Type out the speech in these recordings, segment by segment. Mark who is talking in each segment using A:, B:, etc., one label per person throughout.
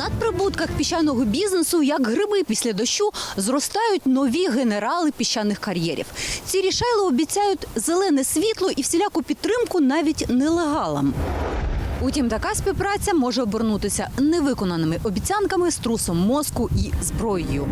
A: На надприбутках піщаного бізнесу, як гриби після дощу, зростають нові генерали піщаних кар'єрів. Ці рішайли обіцяють зелене світло і всіляку підтримку навіть нелегалам. Утім, така співпраця може обернутися невиконаними обіцянками, струсом мозку і зброєю.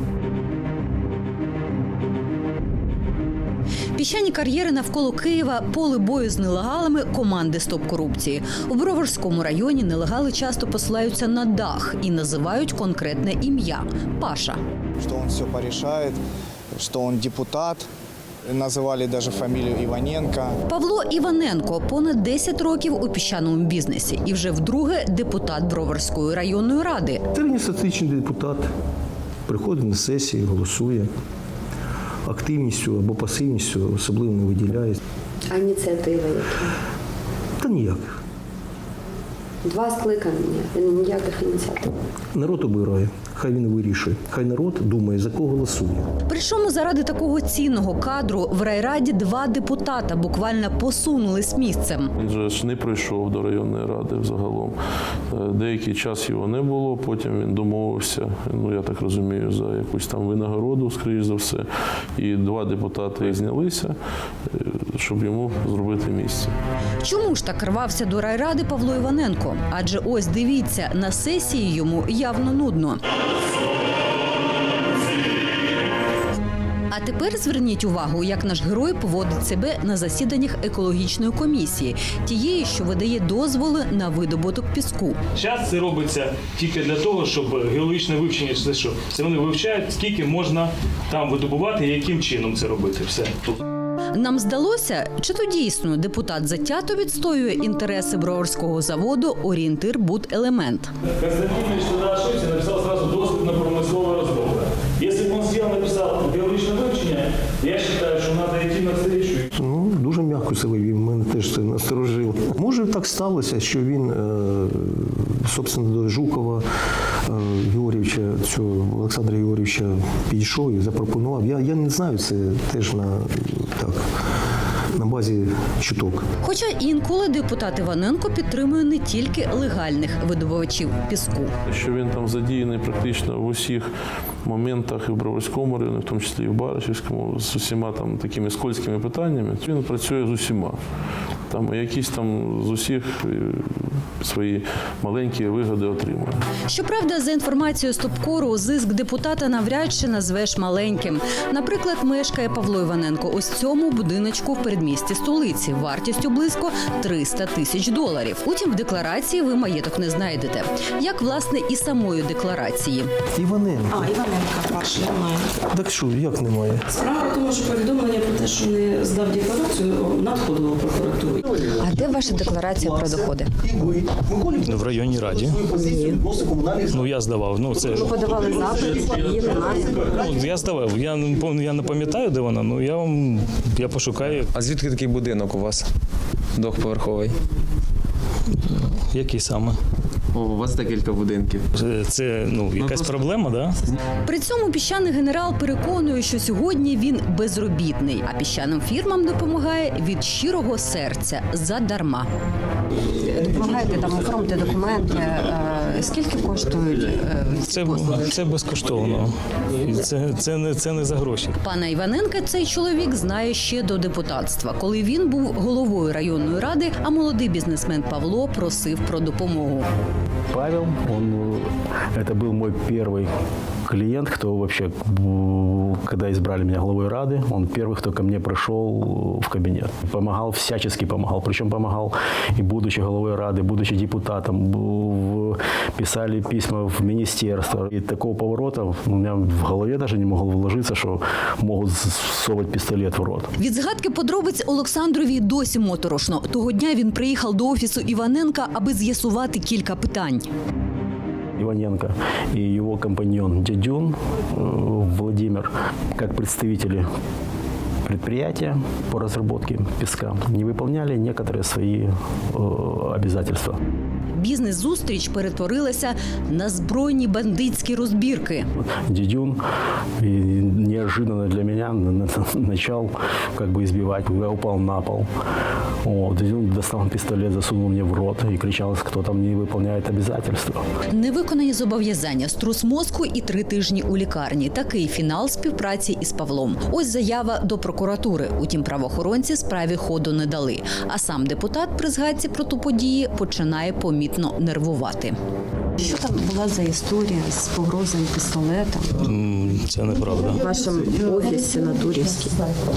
A: Піщані кар'єри навколо Києва – поле бою з нелегалами команди «Стоп корупції». У Броварському районі нелегали часто посилаються на дах і називають конкретне ім'я – Паша.
B: Что он все порешает, что он депутат. Називали навіть фамілію Іваненко.
A: Павло Іваненко понад 10 років у піщаному бізнесі і вже вдруге депутат Броварської районної ради.
C: Середньостатичний депутат приходить на сесії, голосує. Активністю або пасивністю особливо не виділяє.
D: А ініціативи які?
C: Та ніяких.
D: 2 скликання, ніяких ініціатив.
C: Народ обирає, хай він вирішує. Хай народ думає, за кого голосує.
A: Причому заради такого цінного кадру в райраді 2 депутата буквально посунулись місцем.
E: Він же ж не прийшов до районної ради взагалом. Деякий час його не було, потім він домовився, я так розумію, за якусь там винагороду, скоріш за все. І 2 депутати знялися, щоб йому зробити місце.
A: Чому ж так рвався до райради Павло Іваненко? Адже ось дивіться, на сесії йому явно нудно. А тепер зверніть увагу, як наш герой поводить себе на засіданнях екологічної комісії, тієї, що видає дозволи на видобуток піску.
F: Зараз це робиться тільки для того, щоб геологічне вивчення, це що? Це вони вивчають, скільки можна там видобувати і яким чином це робити. Все.
A: Нам здалося, чи то дійсно депутат затято відстоює інтереси Броварського заводу «Орієнтир Буделемент».
F: Константинович тогда ошибся, написал сразу дозвіл на промислове розробка. Якщо б він сидів, написав геологічне вивчення, я вважаю, що треба йти навстрічу.
C: Дуже м'яко себе вів, мене теж це насторожило. Може, так сталося, що він, собственно, до Жукова Георгійовича, цього Олександра Георгійовича підійшов і запропонував. Я не знаю, це теж на базі чуток.
A: Хоча інколи депутат Іваненко підтримує не тільки легальних видобувачів піску.
E: Що він там задіяний практично в усіх моментах і в Броварському районі, в тому числі і в Баришівському, з усіма там такими скользкими питаннями. Він працює з усіма. Там якісь там з усіх свої маленькі вигоди отримує.
A: Щоправда, за інформацією Стопкору, зиск депутата навряд чи назвеш маленьким. Наприклад, мешкає Павло Іваненко ось в цьому будиночку в передмісті столиці, вартістю близько $300 тисяч. Утім, в декларації ви маєток не знайдете. Як, власне, і самої декларації.
C: Іваненко.
G: Іваненка ваш немає.
C: Так що, як немає?
G: Справа в тому, що повідомлення про те, що не здав декларацію, надходило в прокуратуру.
A: А де ваша декларація про доходи?
H: В районній раді. Я здавав. Це...
D: Ви подавали запит, її немає.
H: Я здавав. Я не пам'ятаю, де вона, я пошукаю.
I: А звідки такий будинок у вас? Двохповерховий?
H: Який саме?
I: У вас декілька будинків.
H: Це якась проблема, да?
A: При цьому піщаний генерал переконує, що сьогодні він безробітний, а піщаним фірмам допомагає від щирого серця задарма.
D: Допомагаєте там оформити документи. Скільки коштують ці послуги?
H: Це безкоштовно. Це не за гроші.
A: Пана Іваненка цей чоловік знає ще до депутатства, коли він був головою районної ради, а молодий бізнесмен Павло просив про допомогу.
C: Павел, это был мой первый клиент, кто вообще, когда избрали меня главой Рады, он первый, кто ко мне пришел в кабинет. Помогал, всячески помогал. Причем помогал и будучи главой Рады, будучи депутатом, писали письма в министерство. И такого поворота у меня в голове даже не могло вложиться, что могут совать пистолет в рот.
A: Від згадки подробиць Олександрові досі моторошно. Того дня він приїхав до офісу Іваненка, аби з'ясувати кілька питань.
C: Иваненко и его компаньон Дядюн Владимир, как представители предприятия по разработке песка, не выполняли некоторые свои обязательства.
A: Бізнес-зустріч перетворилася на збройні бандитські розбірки.
C: Дидюн и неожиданно для меня начал как бы избивать. Я упал на пол. Вот. Дидюн достал пистолет, засунул мне в рот и кричал, кто там не выполняет обязательства.
A: Невиконані зобов'язання, струс мозку і 3 тижні у лікарні. Такий фінал співпраці із Павлом. Ось заява до прокуратури. Утім, правоохоронці справі ходу не дали. А сам депутат при згадці про ту події починає помітно нервувати.
D: Що там була за історія з погрозою пістолетом
H: Це неправда.
D: в вашому офісі на Турівській?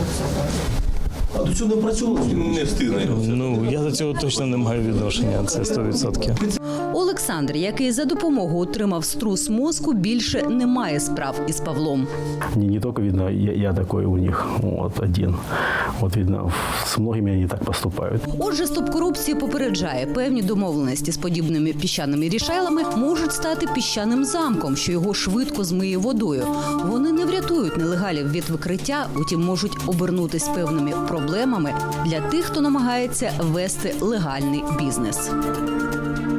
J: А до цього не працював, не встигне.
H: Ну, я до цього точно не маю відношення, це 100%.
A: Олександр, який за допомогою отримав струс мозку, більше не має справ із Павлом.
C: Не только, видно, я такой у них вот, один. Вот, видно, с многими они так поступают.
A: Отже, стоп корупції попереджає, певні домовленості з подібними піщаними рішайлами можуть стати піщаним замком, що його швидко змиє водою. Вони не врятують нелегалів від викриття, утім можуть обернутись певними проблемами для тих, хто намагається вести легальний бізнес.